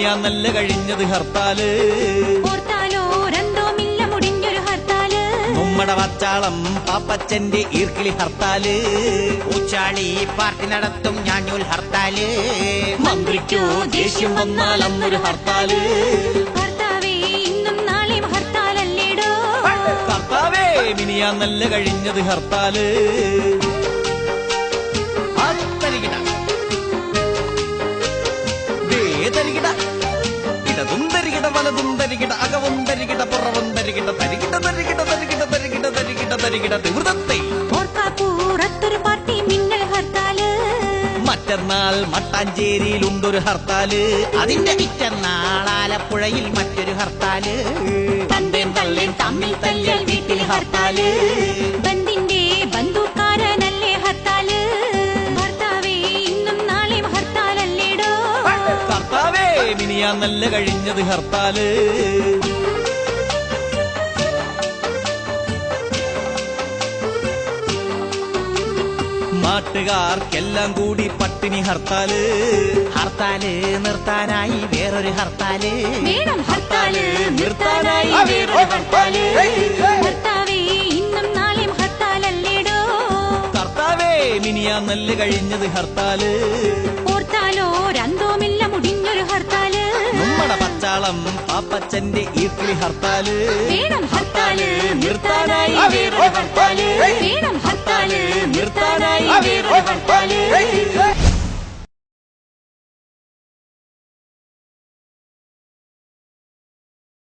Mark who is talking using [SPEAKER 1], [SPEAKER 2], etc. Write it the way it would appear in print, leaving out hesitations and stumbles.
[SPEAKER 1] മിനിയാന്നല്ല കഴിഞ്ഞത് ഹർത്താല് നമ്മുടെ വച്ചാളം പാപ്പച്ചന്റെ ഈർക്കിളി ഹർത്താല്
[SPEAKER 2] ഊച്ചാളി പാർട്ടി നടത്തും ഞാഞ്ഞൂൽ ഹർത്താല്
[SPEAKER 1] മന്ത്രിക്കോ ദേഷ്യം വന്നാൽ അന്നൊരു ഹർത്താല് കർത്താവേ മിനിയാന്നല്ല കഴിഞ്ഞത് ഹർത്താല് ഇടതും തരികിട വലതും തരികിട അകവും തരികിട പുറവും തരികിട തരികിട തരികിട തരികിട തരികിട തരികിട തരികിട തീവ്രത്തെ
[SPEAKER 3] ഓർക്കാപ്പൂറത്തൊരു പാർട്ടി മിന്നൽ ഹർത്താല്
[SPEAKER 1] മറ്റന്നാൾ മട്ടാഞ്ചേരിയിലുണ്ടൊരു ഹർത്താല്
[SPEAKER 2] അതിന്റെ പിറ്റന്നാൾ ആലപ്പുഴയിൽ മറ്റൊരു ഹർത്താല്
[SPEAKER 3] തന്തേം തള്ളേം തമ്മിൽ തല്ലിയാൽ വീട്ടിൽ ഹർത്താല് ബന്ദിന്റെ ബന്ധുക്കാരനല്ലേ ഹർത്താല് ഭർത്താവേ ഇന്നും നാളെയും ഹർത്താലല്ലേടോ
[SPEAKER 1] കർത്താവേ മിനിയാന്നല്ല കഴിഞ്ഞത് ഹർത്താല് നാട്ടുകാർക്കെല്ലാം കൂടി പട്ടിണി ഹർത്താല്
[SPEAKER 2] ഹർത്താല് നിർത്താനായി വേറൊരു ഹർത്താല്
[SPEAKER 3] വേണം ഹർത്താല് നിർത്താനായി വേറൊരു ഹർത്താല് ഭർത്താവേ ഇന്നും നാളെയും ഹർത്താലല്ലേടോ
[SPEAKER 1] കർത്താവേ മിനിയാന്നല്ല കഴിഞ്ഞത് ഹർത്താല്
[SPEAKER 3] ഓർത്താലോ രന്തോമില്ല മുടിഞ്ഞൊരു ഹർത്താല്
[SPEAKER 1] നമ്മുടെ പച്ചാളം പാപ്പച്ചന്റെ ഈർക്കിളി ഹർത്താല്
[SPEAKER 3] വേണം ഹർത്താല്
[SPEAKER 1] നിർത്താനായി
[SPEAKER 3] വേറൊരു ഹർത്താല് വേണം ഹർത്താല് നിർത്താനായി വേറൊരു ഹർത്താല്